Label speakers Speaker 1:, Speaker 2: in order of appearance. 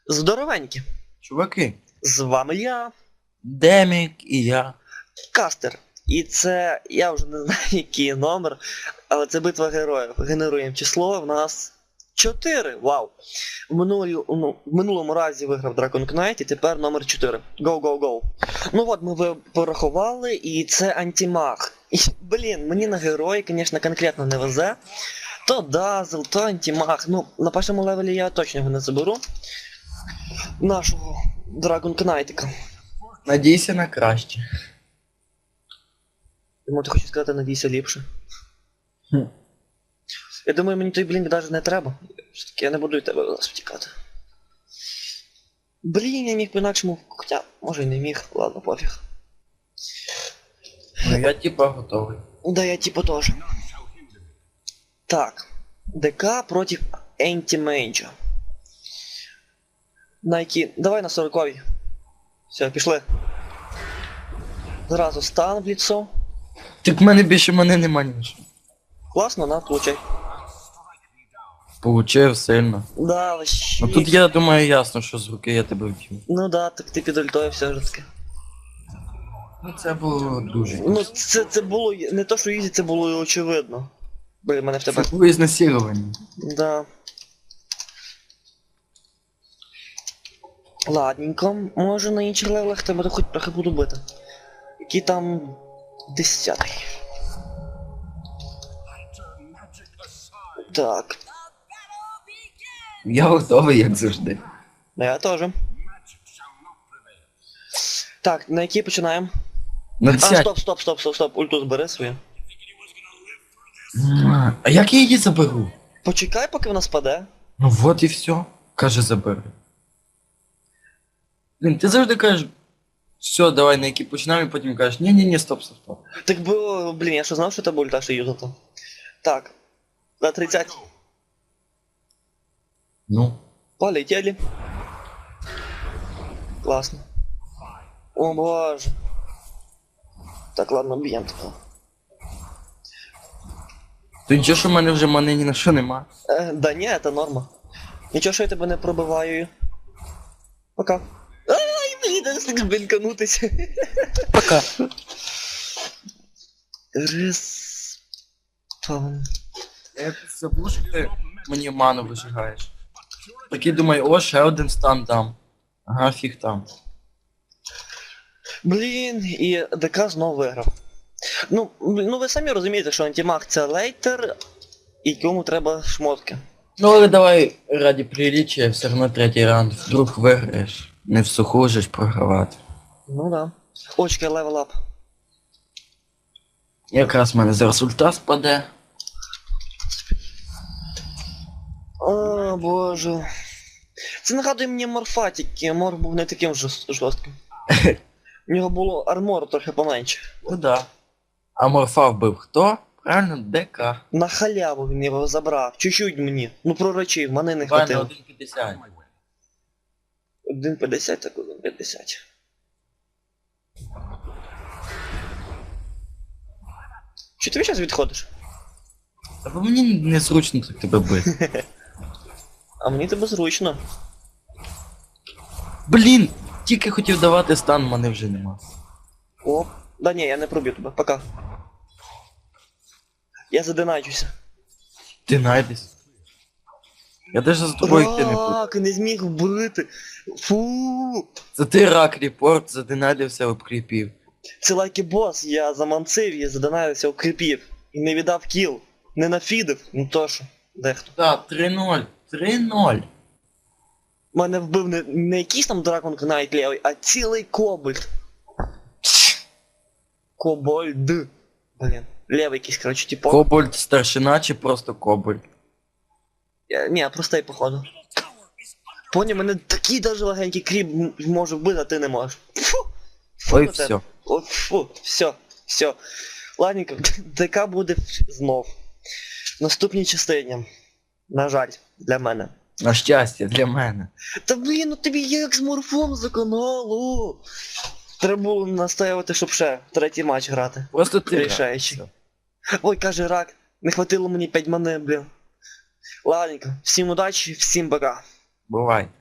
Speaker 1: Здоровенькі!
Speaker 2: Чуваки,
Speaker 1: З вами я,
Speaker 2: Демік і я.
Speaker 1: Кастер. І це, я вже не знаю який номер, але це битва героїв. Генеруємо число, в нас 4. Вау! В минулому разі виграв Dragon Knight і тепер номер 4. Go, go, go. Ну от, ми порахували, і це антимаг. І, блін, мені на герої, звісно, конкретно не везе. То Дазл, то антимаг. Ну, на першому левелі я точно його не заберу. Нашого Dragon Knight'ика.
Speaker 2: Надійся на краще.
Speaker 1: Тому ти хочеш сказати, надійся ліпше.
Speaker 2: Хм.
Speaker 1: Я думаю, мені той блінк навіть не треба. Все-таки я не буду від тебе зараз втікати. Блін, я міг по-інакшому, хоча, може і не міг, ладно, пофіг.
Speaker 2: Ну я типа готовий.
Speaker 1: Да, я типа тоже. Так. ДК против Антимейджа. Найки. Давай на 40-й. Все, пішли. Зразу стан в лицо.
Speaker 2: Так в мене більше мене нема нічого.
Speaker 1: Класно, на, получай.
Speaker 2: Получив сильно.
Speaker 1: Да, вообще.
Speaker 2: Ну тут я думаю ясно, що з руки я тебе вб'ю.
Speaker 1: Ну да, так ти під ультою все ж таки.
Speaker 2: Ну це було дуже.
Speaker 1: Ну це було не то, що ізі, це було і очевидно. Блін, мене в тебе.
Speaker 2: Це було ізнасилування.
Speaker 1: Да. Ладненько, може на інших левелах тебе хоч трохи буду бити. Який там 10-й. Так.
Speaker 2: Я готовий, як завжди.
Speaker 1: Я теж. Так, на який починаємо?
Speaker 2: На
Speaker 1: А,
Speaker 2: 10.
Speaker 1: стоп, ульту збери свою.
Speaker 2: А як я її заберу?
Speaker 1: Почекай, поки вона спаде.
Speaker 2: Ну вот і все. Каже, забери. Блін, ти завжди кажеш, все, давай на який починаємо, і потім кажеш, ні, стоп.
Speaker 1: Так би, блін, я що знав, що тебе ульта ще юзати. Так. На 30.
Speaker 2: Ну.
Speaker 1: Полетели. Классно. О боже. Так, ладно, б'єм тебе.
Speaker 2: То нічого, що в мене вже мани ні на що нема.
Speaker 1: Да ні, це норма. Нічого, що я тебе не пробиваю. Пока. Ай, мені не встиг блінканутися.
Speaker 2: Пока.
Speaker 1: Респаун.
Speaker 2: Я забув, що ти мені ману вижигаєш. Такий думаю, о, ще один стан дам. Ага, фіг там.
Speaker 1: Блін, і ДК знову виграв. Ну ви самі розумієте, що антимаг це лейтер, і кому треба шмотки.
Speaker 2: Ну але давай раді приліччя, все одно третій раунд. Вдруг виграєш. Не в суху ж програвати.
Speaker 1: Ну да. Очки левел ап.
Speaker 2: Якраз в мене зараз ульта спаде.
Speaker 1: О, боже. Це нагадує мені морфатіки, мор був не таким жорстким. У нього було армору трохи поменше.
Speaker 2: Ну да. А морфа вбив хто? Правильно, ДК.
Speaker 1: На халяву він його забрав. Чуть-чуть мені. Ну пророчив, мене не
Speaker 2: Давай на
Speaker 1: хватило.
Speaker 2: 1.50.
Speaker 1: 1.50, так 1.50. Чи ти зараз відходиш?
Speaker 2: Та бо мені незручно так тебе бити.
Speaker 1: А мені тебе зручно.
Speaker 2: Блін! Тільки хотів давати стан, мене вже нема.
Speaker 1: О, да ні, я не проб'ю тебе, пока. Я задиначуся.
Speaker 2: Ти найдеш. Я даже за тобою йти не буду.
Speaker 1: Рак, не зміг вбити. Фу.
Speaker 2: Це ти рак репорт, задинадився, обкріпів.
Speaker 1: Це лайки бос, я заманцив і задонавився, укріпів. І не віддав кіл. Не нафідив, ну то що, дехто.
Speaker 2: Так, 3-0. 3-0.
Speaker 1: Мене вбив не якийсь там Dragon Knight левий, а цілий кобальт. Кобальд. Блін. Левий якийсь, коротше, типу.
Speaker 2: Кобальт старшина чи просто кобальт?
Speaker 1: Ні, простий, походу. Поняв, мене такий даже легенький кріп може вбити, а ти не можеш. Фу! Фу
Speaker 2: Ой,
Speaker 1: на тебе.
Speaker 2: все.
Speaker 1: О, фу, все. Ладненько, ДК буде знов. В наступній частині. На жаль, для мене.
Speaker 2: На щастя, для мене.
Speaker 1: Та блін, ну тобі як з морфом за каналу. Треба було настоювати, щоб ще третій матч грати.
Speaker 2: Просто ти.
Speaker 1: Рішаючий.
Speaker 2: Все.
Speaker 1: Ой, каже рак, не хватило мені 5 мани, блін. Ладненько, всім удачі, всім пока.
Speaker 2: Бувай.